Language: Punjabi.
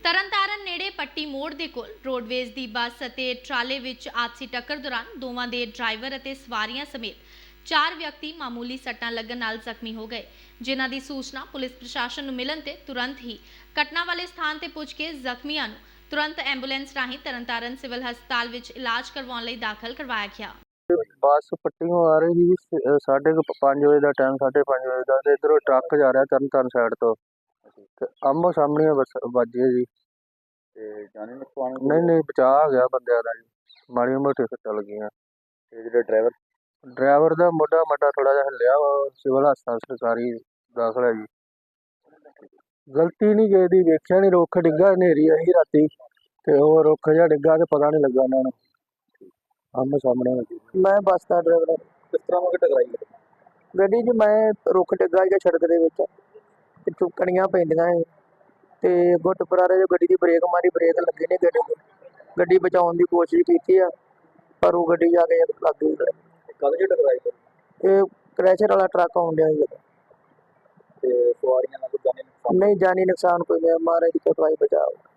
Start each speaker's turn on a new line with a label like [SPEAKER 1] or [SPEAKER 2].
[SPEAKER 1] ਤਰਨਤਾਰਨ ਨੇੜੇ ਪੱਟੀ ਮੋੜ ਦੇ ਕੋਲ ਰੋਡਵੇਜ਼ ਦੀ ਬੱਸ ਅਤੇ ਟਰਾਲੇ ਵਿੱਚ ਆਪਸੀ ਟੱਕਰ ਦੌਰਾਨ ਦੋਵਾਂ ਦੇ ਡਰਾਈਵਰ ਅਤੇ ਸਵਾਰੀਆਂ ਸਮੇਤ 4 ਵਿਅਕਤੀ ਮਾਮੂਲੀ ਸੱਟਾਂ ਲੱਗਣ ਨਾਲ ਜ਼ਖਮੀ ਹੋ ਗਏ, ਜਿਨ੍ਹਾਂ ਦੀ ਸੂਚਨਾ ਪੁਲਿਸ ਪ੍ਰਸ਼ਾਸਨ ਨੂੰ ਮਿਲਣ ਤੇ ਤੁਰੰਤ ਹੀ ਘਟਨਾ ਵਾਲੇ ਸਥਾਨ ਤੇ ਪੁੱਜ ਕੇ ਜ਼ਖਮੀਆਂ ਨੂੰ ਤੁਰੰਤ ਐਂਬੂਲੈਂਸ ਰਾਹੀਂ ਤਰਨਤਾਰਨ ਸਿਵਲ ਹਸਪਤਾਲ ਵਿੱਚ ਇਲਾਜ ਕਰਵਾਉਣ ਲਈ ਦਾਖਲ ਕਰਵਾਇਆ ਗਿਆ।
[SPEAKER 2] ਬੱਸ ਪੱਟੀਓਂ ਆ ਰਹੀ ਸੀ 5:30 ਵਜੇ ਦਾ ਟਾਈਮ, 5:30 ਵਜੇ ਦਾ, ਤੇ ਇੱਧਰੋਂ ਟਰੱਕ ਜਾ ਰਿਹਾ ਤਰਨਤਾਰਨ ਸਾਈਡ ਤੋਂ, ਤੇ ਆਮੋ ਸਾਹਮਣੇ ਬੱਸ ਵੱਜੀ ਜੀ।
[SPEAKER 3] ਤੇ ਜਾਨੀ ਨੁਕਸਾਨ
[SPEAKER 2] ਨਹੀਂ ਬਚਾਅ ਆ ਗਿਆ ਬੰਦਿਆਂ ਦਾ ਜੀ, ਮਾੜੀਆਂ ਮੋਟੀਆਂ ਸੱਟਾਂ ਲੱਗੀਆਂ।
[SPEAKER 3] ਤੇ ਜਿਹੜਾ
[SPEAKER 2] ਡਰਾਈਵਰ ਦਾ ਮੋਢਾ ਥੋੜਾ ਜਿਹਾ ਹਿੱਲਿਆ ਵਾ, ਸਿਵਲ ਹਸਪਤਾਲ ਸਰਕਾਰੀ ਦਾਖਲ ਹੈ ਜੀ। ਗਲਤੀ ਨਹੀਂ ਕਿਸੇ ਦੀ, ਵੇਖਿਆ ਨਹੀਂ, ਰੁੱਖ ਡਿੱਗਾ, ਹਨੇਰੀ ਆਈ ਰਾਤੀ ਤੇ ਉਹ ਰੁੱਖ ਜਿਹਾ ਡਿੱਗਾ ਤੇ ਪਤਾ ਨਹੀਂ ਲੱਗਾ ਇਹਨਾਂ ਨੂੰ, ਆਮੋ ਸਾਹਮਣੇ ਵੱਜੀ।
[SPEAKER 4] मैं बस का ड्राइवर है।
[SPEAKER 3] ਕਿਸ ਤਰ੍ਹਾਂ ਉਹ ਟਕਰਾਈ ਹੈ?
[SPEAKER 4] ਗੱਡੀ 'ਚ मैं रुख डिग्गा ਸੀਗਾ सड़क ਦੇ ਵਿੱਚ, ਪਿੱਛੋਂ ਕਣੀਆਂ ਪੈਂਦੀਆਂ ਸੀ ਤੇ ਗੁੱਟ ਪਰਾਰੇ ਜੋ ਗੱਡੀ ਦੀ ਬ੍ਰੇਕ ਮਾਰੀ, ਬ੍ਰੇਕ ਲੱਗੀ ਨਹੀਂ ਗੱਡੀ ਨੂੰ। ਗੱਡੀ ਬਚਾਉਣ ਦੀ ਕੋਸ਼ਿਸ਼ ਕੀਤੀ ਆ, ਪਰ ਉਹ ਗੱਡੀ ਜਾ ਕੇ ਲੱਗ ਗਈ।
[SPEAKER 3] ਕਦ ਜੇ ਟਕਰਾਈ ਹੈ?
[SPEAKER 4] ਇਹ ਕ੍ਰੈਸ਼ਰ ਵਾਲਾ ਟਰੱਕ ਆਉਣ ਡਿਆ ਸੀ।
[SPEAKER 3] ਤੇ ਸਵਾਰੀਆਂ ਨਾਲ ਕੋਈ ਜਾਨੀ ਨੁਕਸਾਨ?
[SPEAKER 4] ਨਹੀਂ ਜਾਨੀ ਨੁਕਸਾਨ ਕੋਈ ਨਹੀਂ, ਮਹਾਰਾਜ ਦੀ ਕਿਰਪਾ ਹੀ ਬਚਾਓ।